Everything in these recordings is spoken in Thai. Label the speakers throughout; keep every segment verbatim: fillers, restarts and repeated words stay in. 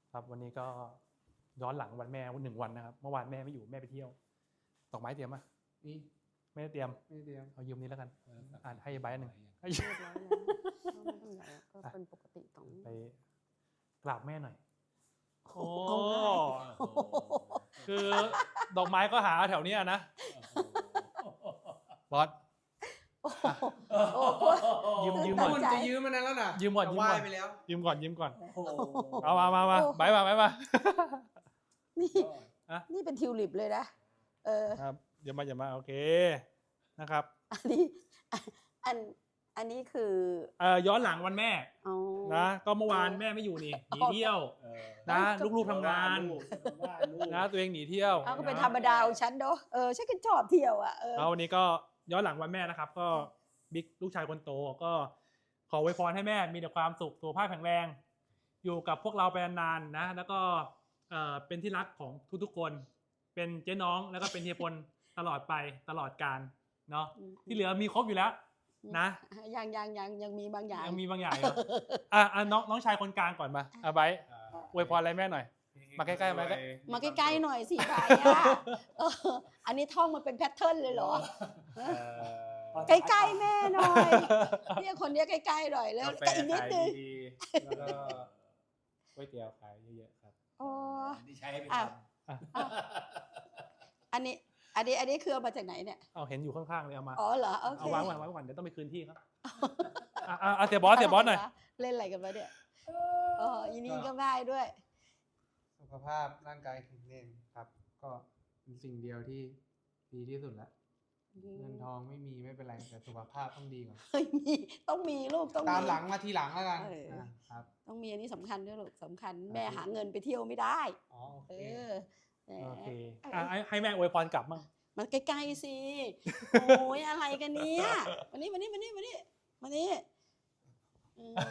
Speaker 1: ครับวันนี้ก็ย้อนหลังวันแม่วันหนึ่งวันนะครับเมื่อวานแม่ไม่อยู่แม่ไปเที่ยวดอกไม้เตรียมป่ะ
Speaker 2: นี่
Speaker 1: ไม่ได้เตรียม
Speaker 2: ไม่ได้เตรียม
Speaker 1: เอายืมนี้แล้วกันอ่านให้ใบหนึ่ง
Speaker 3: เรียบร้อยแล้วก็ไม่ต้องใหญ่ก็เป็นปกติของ
Speaker 1: ไปกราบแม่หน่อยโอ้คือดอกไม้ก็หาแถวเนี้ยนะบอส
Speaker 3: โอ้โห
Speaker 1: ยืมยืม
Speaker 2: คุ
Speaker 1: ก่อน
Speaker 2: ณจะยืมมันนั้นแล้วนะ
Speaker 1: ยืมก่อนยืมก่อน
Speaker 2: ไหว้ไปแล้ว
Speaker 1: ยืมก่อนยืมก่อน
Speaker 2: โอ้โห
Speaker 1: เอามามามาใบมาใบมา
Speaker 3: นี่
Speaker 1: อะ
Speaker 3: นี่เป็นทิวลิปเลยนะเออ
Speaker 1: ครับเดี๋ยวมาอย่ามาโอเคนะครับ
Speaker 3: อันนี้อันอันนี้คือ
Speaker 1: เอ่อย้อนหลังวันแม่
Speaker 3: เอา
Speaker 1: นะก็เมื่อวานแม่ไม่อยู่นี่หนีเที่ยวนะลูกๆทำงานนะตัวเองหนีเที่ยว
Speaker 3: เอาก็เป็น
Speaker 1: นะ
Speaker 3: ธรรมดาของฉันเนาะเออฉันก็ชอบเที่ยวอ่ะเออ
Speaker 1: แล้ววันนี้ก็ย้อนหลังวันแม่นะครับ ก็บิ๊กลูกชายคนโตก็ขออวยพรให้แม่มีแต่ความสุขสุขภาพแข็งแรง อยู่กับพวกเราไปนานๆนะ แล้วก็เอ่อเป็นที่รักของทุกๆคน เป็นเจ๊น้องแล้วก็เป็นเฮียพลตลอดไปตลอดกาลเนาะที่เหลือมีครบอยู่แล้วนะ
Speaker 3: ยังยังยังยังมีบางอย่าง
Speaker 1: ยังมีบางอย่างอยู่อ่ะอ่ะน้องน้องชายคนกลางก่อนมาอ่ะไบร์ทอวยพรอะไรแม่หน่อย มาใกล้ๆมาใกล้
Speaker 3: มาใกล้ๆหน่อยสิไปอ่ะเอออันนี้ท่องมันเป็นแพทเทิร์นเลยเหรอใกล้ๆแม่หน่อยเนี่ยคนเนี้ยใกล้ๆหน่อยแล้ว
Speaker 1: กาแฟ
Speaker 3: อีกนิด
Speaker 1: ขาย
Speaker 3: นึง
Speaker 1: ดีๆแล้วก็ก๋วยเตี๋ยวขายเยอะๆครับ
Speaker 3: อ๋อ
Speaker 2: ที่ใช้ไป
Speaker 3: อ่ะ
Speaker 2: ทำ
Speaker 3: อ่ะอันนี้อันนี้อันนี้คือเอามาจากไหนเนี่ย
Speaker 1: เอาเห็นอยู่ข้างๆเลยเอามา
Speaker 3: อ๋อเหรอโอเค
Speaker 1: เอาวางก่อนวางก่อนเดี๋ยวต้องไปคืนที่ครับอ่ะอ่ะอ่ะเสียบอสเสียบอสหน่อย
Speaker 3: เล่นอะไรกันวะเนี่ยอ๋ออีนี่ก็ง่ายด้วย
Speaker 2: สุขภาพร่างกายแข็งแรงครับ ก็เป็นสิ่งเดียวที่ดีที่สุดแล้วเงินทองไม่มีไม่เป็นไรแต่สุขภาพต้องดีก่อน
Speaker 3: เฮ้ยมีต้องมีลูกต้อง
Speaker 2: ตามหลังมาทีหลังแล้วกัน
Speaker 3: เอออ่
Speaker 2: ะครับ
Speaker 3: ต้องมีอันนี้สำคัญด้วยลูกสำคัญ
Speaker 2: ครับ
Speaker 3: แม่หาเงินไปเที่ยวไม่ได้
Speaker 2: อ๋อโอเค
Speaker 3: เออแหม
Speaker 1: โอเคอ่ะให้ให้แม่อวยพรกลับมั่ง
Speaker 3: มันใกล้ๆสิโอ้ยอะไรกันเนี่ยมานี่มานี่มานี่มานี่มานี่อืม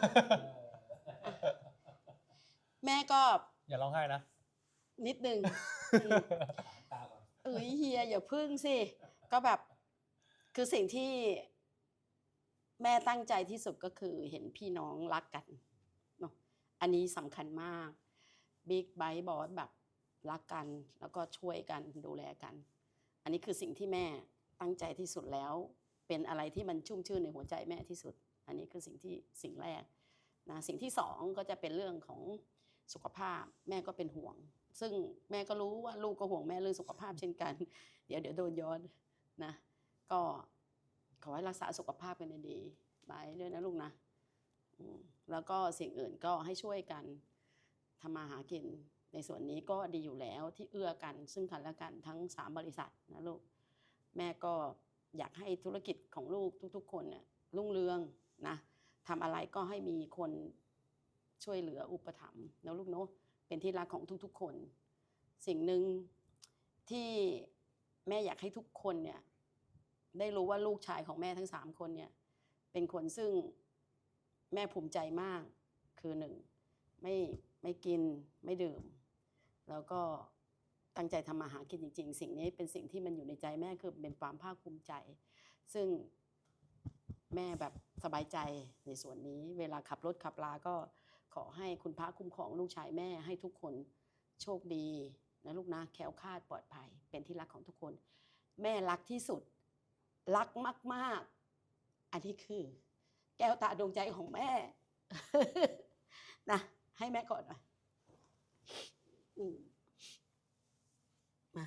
Speaker 3: แม่ก็
Speaker 1: อย่าร้องไห้นะ
Speaker 3: นิดนึงอืมเอ้ยเฮียอย่าพึ่งสิก็แบบคือสิ่งที่แม่ตั้งใจที่สุดก็คือเห็นพี่น้องรักกันเนาะอันนี้สำคัญมากบิ๊กไบค์บอสแบบรักกันแล้วก็ช่วยกันดูแลกัน อันนี้คือสิ่งที่แม่ตั้งใจที่สุดแล้ว เป็นอะไรที่มันชุ่มชื่นในหัวใจแม่ที่สุด อันนี้คือสิ่งที่สิ่งแรกนะสิ่งที่สองก็จะเป็นเรื่องของสุขภาพแม่ก็เป็นห่วง ซึ่งแม่ก็รู้ว่าลูกก็ห่วงแม่เรื่องสุขภาพเช่นกัน เดี๋ยวเดี๋ยวโดนย้อนนะก็ขอให้รักษาสุขภาพกันดีๆไปด้วยนะลูกนะอืมแล้วก็สิ่งอื่นก็ให้ช่วยกันทำมาหากินในส่วนนี้ก็ดีอยู่แล้วที่เอื้อกันซึ่งกันและกันทั้งสามบริษัทนะลูกแม่ก็อยากให้ธุรกิจของลูกทุกๆคนเนี่ยรุ่งเรืองนะทำอะไรก็ให้มีคนช่วยเหลืออุปถัมภ์นะลูกเนาะเป็นที่รักของทุกๆคนสิ่งหนึ่งที่แม่อยากให้ทุกคนเนี่ยได้รู้ว่าลูกชายของแม่ทั้งสามคนเนี่ยเป็นคนซึ่งแม่ภูมิใจมากคือหนึ่งไม่ไม่กินไม่ดื่มแล้วก็ตั้งใจทำมาหากินจริงๆสิ่งนี้เป็นสิ่งที่มันอยู่ในใจแม่คือเป็นความภาคภูมิใจซึ่งแม่แบบสบายใจในส่วนนี้เวลาขับรถขับลาก็ขอให้คุณพระคุ้มครองลูกชายแม่ให้ทุกคนโชคดีนะลูกนะแคล้วคลาดปลอดภัยเป็นที่รักของทุกคนแม่รักที่สุดรักมากๆอันนี้คือแก้วตาดวงใจของแม่ นะให้แม่ก่อนหน่อยอืมมา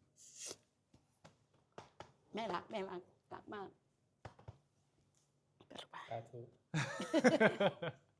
Speaker 3: แม่รักแม่รักรักมากไปลูกไป
Speaker 1: สาธุ